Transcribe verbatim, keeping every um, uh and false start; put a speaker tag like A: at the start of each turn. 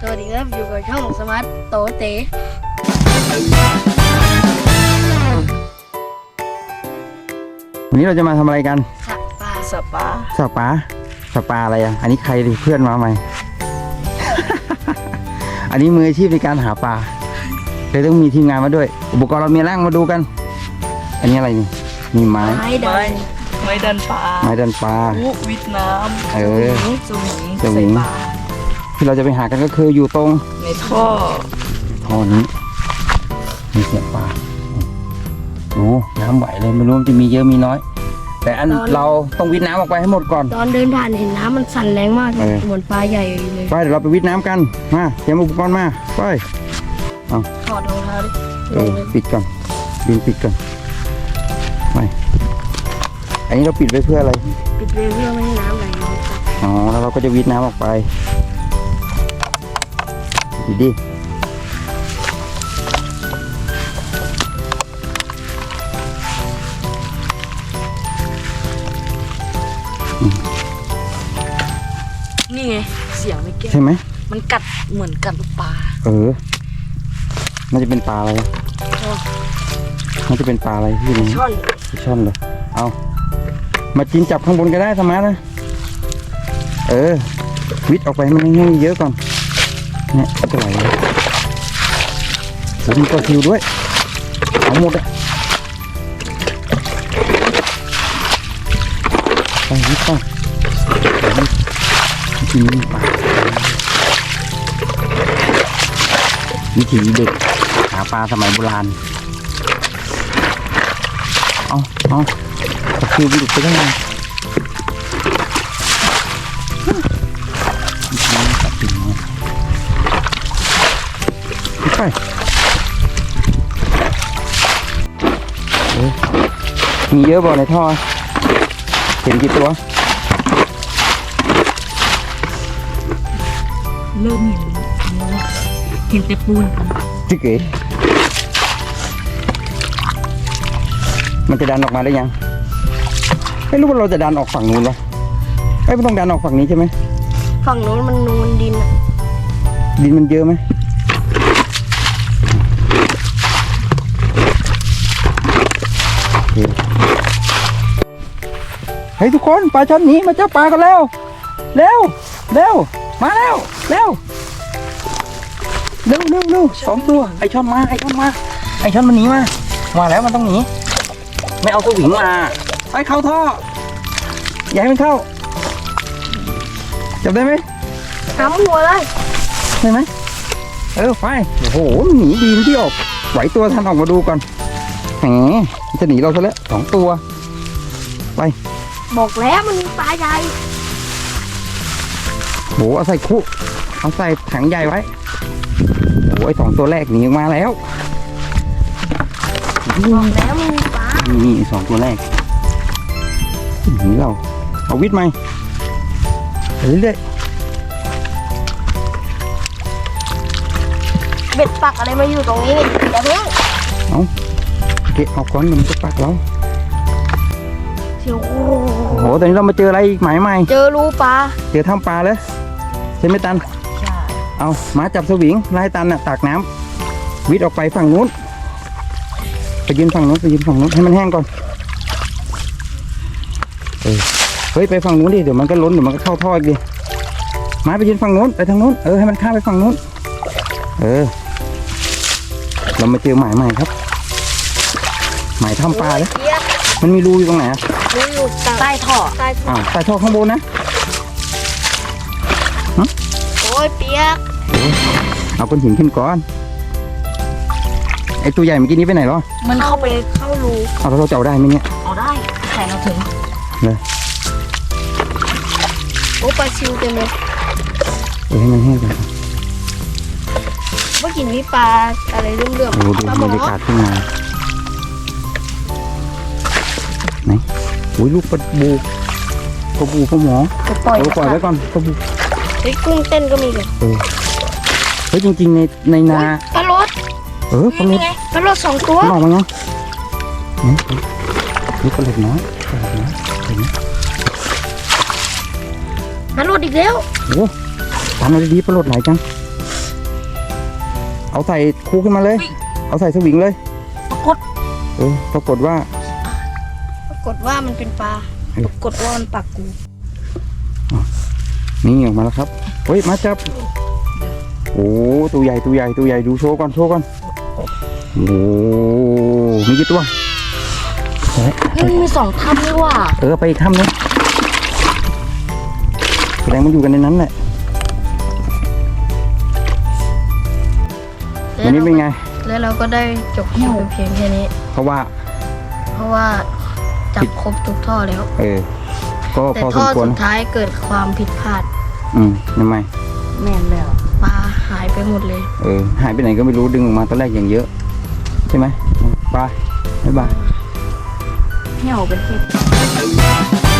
A: สวัสดีครับอยู่กับช่องสมาร์ทโตเต๋
B: วันนี้เราจะมาทำอะไรกัน
A: สับปลา
C: สับปลา
B: สับปลาสับปลาอะไรอ่ะอันนี้ใครดิเพื่อนมาใหม่ อันนี้มืออาชีพในการหาปลาเลยต้องมีทีมงานมาด้วยอุปกรณ์เรามีร่างมาดูกันอันนี้อะไรนี่มีไม้
A: ไม้ดั
C: ไม้
A: น
C: ไม้ดันปลา
B: ไม้ดันปลา
C: อุวิทน้ำ
B: เออ
C: สวิง
B: สวิง
C: ใส่ปลา
B: ที่เราจะไปหากันก็คืออยู่ตรง
C: ในท่อ
B: ท่อนี้มีเสียงปลาโอ้น้ำไหวเลยไม่รู้มันจะมีเยอะมีน้อย แต่อันเราต้องวิทน้ำออกไปให้หมดก่อน
A: ตอนเดินผ่านเห็นน้ำมันสั่นแรงมาก
B: เออ
A: เหมือนปลาใหญ่เลย
B: ไปเดี๋ยวเราไปวิทน้ำกันมาเตรียมอุปกรณ์มาไป
A: ถอดรองเท้าดิ
B: เออปิดก่อนบินปิดก่อนไม่อันนี้เราปิดไว้เพื่ออะไร
A: ปิดเลยเพื่อไม่ให้น้ำไหลลงครับ
B: อ๋อแล้วเราก็จะวิทน้ำออกไปดีดิ
C: นี่ไงเสียงไม่แก้
B: ใช่ไหม
C: มันกัดเหมือนกัดลูกปลา
B: เออน่าจะเป็นปลาอะไรน่าจะเป็นปลาอะไรที่นี่
A: ช่อน
B: ช่อนเลยเอามาจินจับข้างบนก็ได้สมาร์ทนะเออวิทออกไปให้มันแห้งๆเยอะก่อนเนี่ยจะไหลเลยแล้วมีตัวคิวด้วยเอาหมดอะไปวิทไปกินปลาวิถีเด็กหาปลาสมัยโบราณเอาเอาตัวคิววิทไปได้ไงไปมีเยอะบ่ในท่อเห็นกี่ตัว
C: เริ่มเห็นเห็นแต่ปูน
B: จิ๊กเอ๋มันจะดันออกมาได้ยังไม่รู้ว่าเราจะดันออกฝั่งนู้นวะไม่ต้องดันออกฝั่งนี้ใช่ไหม
A: ฝั่งโน้นมันนูนดินอะ
B: ดินมันเยอะไหมเฮ้ยทุกคนปลาช่อนหนีมาเจ้าปลากันแล้วเร็วเร็วมาแล้วเร็วเร็วเร็วเร็วสองตัวไอช่อนมาไอช่อนมาไอช่อนมันหนีมามาแล้วมันต้องหนีไม่เอาสวิงมาไอเข้าท่ออย่าให้มันเข้าจับได้ไหม
A: น้ำหัวเลย
B: ใช่ไหมเออไปโอ้โหมันหนีดีที่ออกไหวตัวทันออกมาดูก่อนแหมมันจะหนีเราซะแล้วสองตัวไป
A: บอกแล้วมันมีปลาใหญ่
B: โหเอาใส่คุเอาใส่ถังใหญ่ไว้โอ้ยสองตัวแรกหนีออกมาแล้ว
A: บอกแล้วมันมีปลา
B: นี่สองตัวแรกหนีเราเอาวิทย์ไหมเรื่อย
A: เบ็ดปักอะไรมาอยู่ตรงนี้นี่อย่าเพิ่ง
B: ๆเอาเก็บออกก่อนมันจะปักเรา
A: เชียว
B: โอ้โหตอนนี้เรามาเจออะไรอีกหมายใหม่
A: เจอรูปลา
B: เจอถ้ำปลาแล้วใช่ไหมตัน
C: ใช่
B: เอามาจับสวิงไล่ตันน่ะตากน้ำวิทย์ออกไปฝั่งนู้นไปยืนฝั่งนู้นไปยืนฝั่งนู้นให้มันแห้งก่อนเออเฮ้ยไปฝั่งนู้นดิเดี๋ยวมันก็ล้นเดี๋ยวมันก็เข้าท่ออีกดิมาไปยืนฝั่งนู้นไปทางนู้นเออให้มันข้ามไปฝั่งนู้นเออเรามาเจอหมายใหม่ครับหมายถ้ำปลาเลย
A: เปียก
B: มันมีรูอยู่ตรงไหนอ่ะ
A: รูอยู่ใต้ท่อใต้ท่อ
B: อ้าวใส่ท่อข้างบนนะ
A: โอ้ยเปียก
B: เอาก้อนหินขึ้นก่อนไอตัวใหญ่เมื่อกี้นี้ไปไหนหรอ
C: มันเข้าไป
A: เข้ารู
B: เอาแล้วเราจะเอาได้ไหมเนี่ย
C: เอาได้แข่งเราถึง
A: โอ้ปลาชิวเต็มเลย
B: เออให้มันแห้งก่อน
A: เมื่อกี้มีปลาอะไรเรื่อง
B: โอ้ดู
A: ๆปลาหม
B: บร
A: อ
B: รยากาศขึ้นมาไหนโอ้ยลูกปลาบูปลาบูปลาหมอ
A: จะปล่อย
B: เราปล่อยไว้ก่อนปลาบู
A: เฮ้ยกุ้งเต้นก็มีเลย
B: เออเฮ้ยจริงๆในในนา
A: ปลาโรด
B: เออปลาเล็
A: นี่
B: ก
A: ไงปลาโรดสองตัว
B: มันออกมาเนาะนี่นี่ปลาเล็กน้อยปลาเล็กน้อยเห็นไหม
A: ปลาโรดอีกแล้ว
B: โอ้ทำอะไรดีปลาโลดไหลจังเอาใส่คู่ขึ้นมาเลย เอาใส่สวิงเลย
C: ปรากฏ
B: เออปรากฏว่า
A: ปรากฏว่ามันเป็นปลา
B: เออ
A: ปรากฏว่ามันปักกู
B: นี่ออกมาแล้วครับเฮ้ยมาจับโอ้ตัวใหญ่ตัวใหญ่ตัวใหญ่ดูโชว์ก่อนโชว์ก่อนโอ้มีกี่ตัว
C: มันมีสองถ้ำนี่ว่า
B: เออไปอีกถ้ำนึงแสดงมันอยู่กันในนั้นแหละวันนี้เป็นไง
A: แล้วเราก็ได้จบคลิปเพียงแค่นี้
B: เพราะว่า
A: เพราะว่าจับครบทุกท่อแล้ว
B: เออก็
A: แต่
B: พอส
A: ท่อ
B: มควร
A: สุดท้ายเกิดความผิดพลาด
B: อืมทำไม
C: แม่นแล้ว
A: ปลาหายไปหมดเลย
B: เออหายไปไหนก็ไม่รู้ดึงออกมาตอนแรกอย่างเยอะใช่ไหมไปบ๊ายบาย
C: เหี่ยวเป็นพิษ